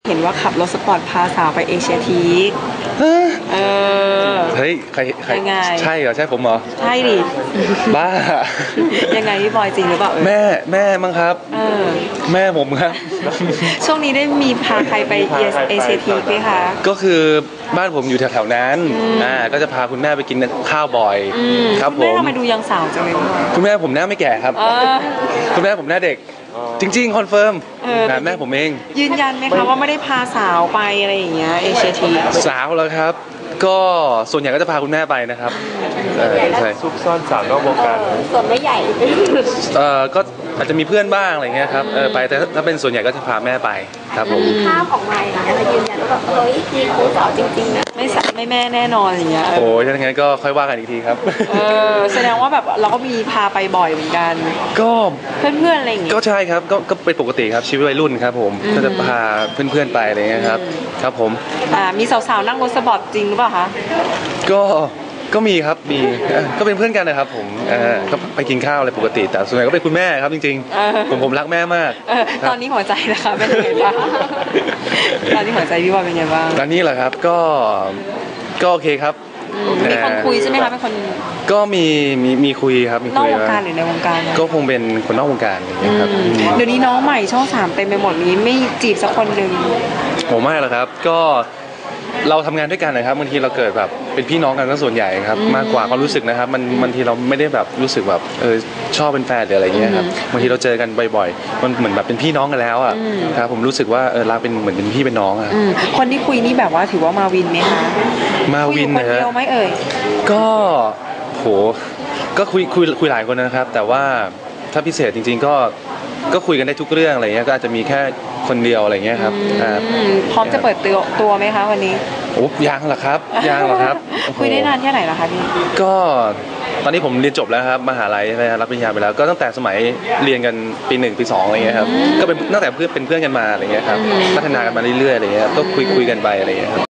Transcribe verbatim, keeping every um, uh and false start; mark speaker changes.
Speaker 1: เห็นว่าขับรถสปอร์ตพาสาวไปเอเชียทีคเออ
Speaker 2: เฮ้ยใครใคร
Speaker 1: ยังไง
Speaker 2: ใช่เหรอใช่ผมเหรอ
Speaker 1: ใช่ดิ
Speaker 2: บ้า
Speaker 1: ยังไงพี่บอยจริงหรือเปล่า
Speaker 2: แม่แม่มั้งครับ
Speaker 1: เออ
Speaker 2: แม่ผมครับ
Speaker 1: ช่วงนี้ได้มีพาใครไปเอเชียทีคไหมคะ
Speaker 2: ก็คือบ้านผมอยู่แถวๆนั้นอ่าก็จะพาคุณแม่ไปกินข้าวบ่อยครับผม
Speaker 1: คุณแม่ทำไมดูยังสาวจังเลย
Speaker 2: คุณแม่ผมหน้าไม่แก่ครับคุณแม่ผมหน้าเด็กจริงๆคอนเฟิร์มนะแม่ผมเอง
Speaker 1: ยืนยันไหมคะว่าไม่ได้พาสาวไปอะไรอย่างเงี้ยเอเชียที
Speaker 2: สาวแล้วครับก็ส่วนใหญ่ก็จะพาคุณแม่ไปนะครับ
Speaker 3: ใช่ซุกซ่อนสาวนอกวงการ
Speaker 4: ส่วนไม่ใหญ่
Speaker 2: เอ่อก็อาจจะมีเพื่อนบ้างอะไรเงี้ยครับเออไปแต่ถ้าเป็นส่วนใหญ่ก็จะพาแม่ไปครับผม
Speaker 4: มีภาพของไมค์นะจะยืนยันว่าแบบเฮ้ยมีครูสาวจริงๆนะ
Speaker 1: ไม่สัไม่แม่แน่นอนอย่างเงี้ย
Speaker 2: โอ้ยถ้าอย่างนั้นก็ค่อยว่ากันอีกทีครับ
Speaker 1: เออแสดงว่าแบบเราก็มีพาไปบ่อยเหมือนกัน
Speaker 2: ก็
Speaker 1: เพื่อนๆอะไรอย่างเงี้ย
Speaker 2: ก็ใช่ครับก็ก็เป็นปกติครับชีวิตวัยรุ่นครับผมก็จะพาเพื่อนๆไปอะไรเงี้ยครับครับผม
Speaker 1: อ่ามีสาวๆนั่งรถสปอร์ตจริงหรือเปล่าคะ
Speaker 2: ก็ก็มีครับมีก็เป็นเพื่อนกันนะครับผมก็ไปกินข้าวอะไรปกติแต่ส่วนใหญ่ก็เป็นคุณแม่ครับจริงๆผมผมรักแม่มาก
Speaker 1: ตอนนี้หัวใจนะคะเป็นยังไงบ้างตอนนี้หัวใจพี่บอยเป็นยังไงบ้าง
Speaker 2: ตอนนี้เหรอครับก็ก็โอเคครับ
Speaker 1: มีคนคุยใช่ไหมคะเป็นคน
Speaker 2: ก็มีมีมีคุยครับมี
Speaker 1: คุยนอกวงการหรือในวงการ
Speaker 2: ก็คงเป็นคนนอกวงการอย่างเงี้ยครับ
Speaker 1: เดี๋ยวนี้น้องใหม่ช่องสามเต็มไปหมดนี้ไม่จีบสักคนหนึ่ง
Speaker 2: ผมไม่หรอกครับก็เราทำงานด้วยกันนะครับบางทีเราเกิดแบบเป็นพี่น้องกันก็ส่วนใหญ่ครับมากกว่าความรู้สึกนะครับมันบางทีเราไม่ได้แบบรู้สึกแบบเออชอบเป็นแฟนหรืออะไรเงี้ยครับบางทีเราเจอกันบ่อยๆมันเหมือนแบบเป็นพี่น้องกันแล้วอ่ะครับผมรู้สึกว่าเออรักเป็นเหมือนเป็นพี่เป็นน้องอ่ะ
Speaker 1: คนที่คุยนี่แบบว่าถือว่ามาวินไหมคะ
Speaker 2: มาวิน
Speaker 1: นะฮะคนเดียวไหมเอ่ย
Speaker 2: ก็โหก็คุยคุยคุยหลายคนนะครับแต่ว่าถ้าพิเศษจริงๆก็ก็คุยกันได้ทุกเรื่องอะไรเงี้ยก็อาจจะมีแค่คนเดียวอะไรเงี้ยครับ
Speaker 1: พร้อมจะเปิดตัวตัวไหมคะวันนี้
Speaker 2: โอ้ยังหรอครับยังหรอครับ
Speaker 1: คุยได้นานแค่ไหนล่ะคะพี่
Speaker 2: ก็ตอนนี้ผมเรียนจบแล้วครับมหาลัยใช่ไหมรับปริญญาไปแล้วก็ตั้งแต่สมัยเรียนกันปีหนึ่งปีสองอะไรเงี้ยครับก็เป็นตั้งแต่เพื่อนเป็นเพื่อนกันมาอะไรเงี้ยครับพัฒนากันมาเรื่อยๆอะไรเงี้ยก็คุยคุยกันไปอะไรเงี้ยครับ